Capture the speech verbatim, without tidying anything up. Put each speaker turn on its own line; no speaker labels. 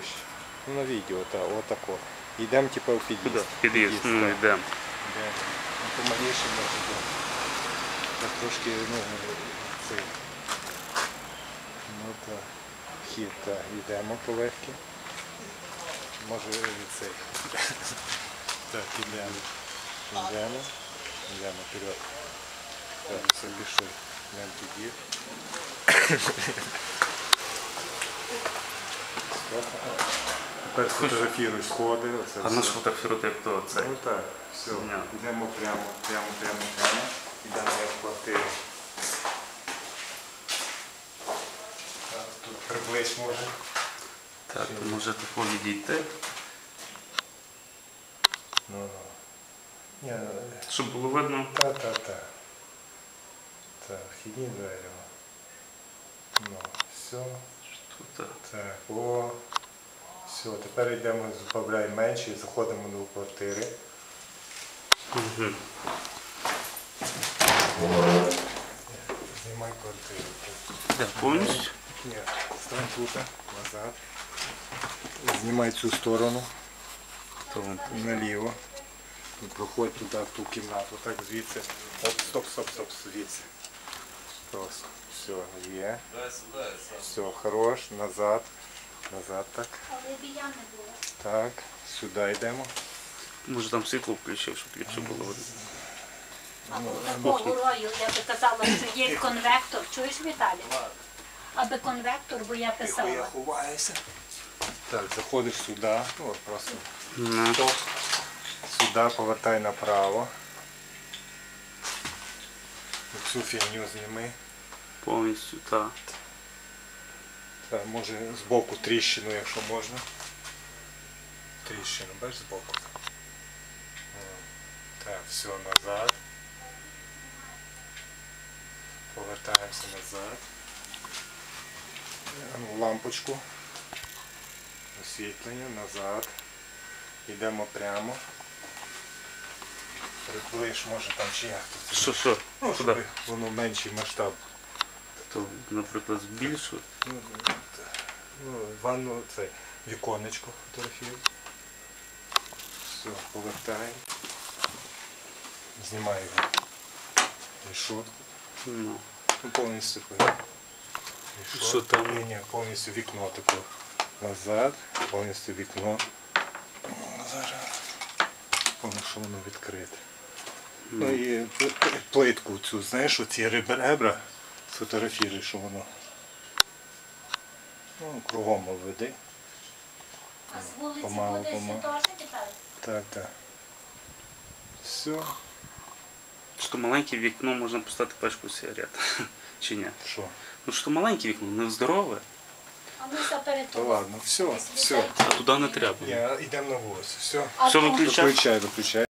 ближче. Ну, на відео, так, отако. Йдемо типу в під'їзд.
Куди? Під'їзд, ну йдемо.
Йдемо. Ну, помаліше може йдемо. Так трошки, ну, цей. Ну так. Вхід, так. Йдемо полегкі. Може від цей. Так, йдемо. Йдемо. Йдемо вперед. Так, все, пішли. Йдемо під'їзд. Тепер фотографіруй сходи.
А на що фотографувати, як то це?
Ну так, все. Йдемо прямо, прямо, прямо, прямо. Йдемо в квартиру. Так, тут приблизь може.
Так, то може тако відійти.
Ну, ну. Ні,
Щоб було видно.
та, та, та. Так, вхідні двері. Ну, все.
Тут, так.
Так, о. Все, тепер йдемо, збавляємо менше і заходимо до квартири.
Угу.
Знімай квартиру.
Де, повністю?
Ні, стань тут, назад. Знімай цю сторону.
То.
Наліво. І проходь туди, в ту кімнату. Так, звідси. Оп, стоп, стоп, стоп, звідси. Просто. Все, є. Все, хорош, назад. Назад так.
Але біля не було.
Так, сюди йдемо.
Може там світло включив, щоб ліпше було видно.
Або такого рою, я би казала, що є конвектор. Чуєш, Віталій? Аби конвектор, бо я писала.
ховаюся. Так, заходиш сюди. Ну, просто.
Ну.
Стоп. Сюди, повертай направо. Цю фігню зніми.
Повністю, так.
Так, може збоку тріщину, якщо можна. Тріщину, бачиш, збоку. Так, все, назад. Повертаємося назад. Лампочку. Освітлення, назад. Йдемо прямо. Приближ, може там чи як тут.
Що, що?
Ну,
Куди?
щоб воно менший масштаб.
То, наприклад, збільшувати.
Ну, ну, ванну, це віконечко фотографію. Все, повертаємо. Знімаю його. Решетку.
Ну.
Ну, повністю решетку.
Що там?
Ні, ні, повністю вікно таке. Назад, повністю вікно. Зараз. Повністю, що воно відкрите. Ну і плитку цю, знаєш, оці ребра сфотографіруй, що воно. Ну, кругом обведи.
А з вулиці
Помалу,
буде
помалу.
теж тепер?
Так, так. Все.
Що маленьке вікно можна поставити пачку сигарет. Чи ні?
Що?
Ну що маленьке вікно, не здорове.
А ми заперед.
Та ладно, все, все.
А туди не треба.
Ні, йдемо на вулицю. Все.
А
Все
там-
виключай.
Виключай, виключай.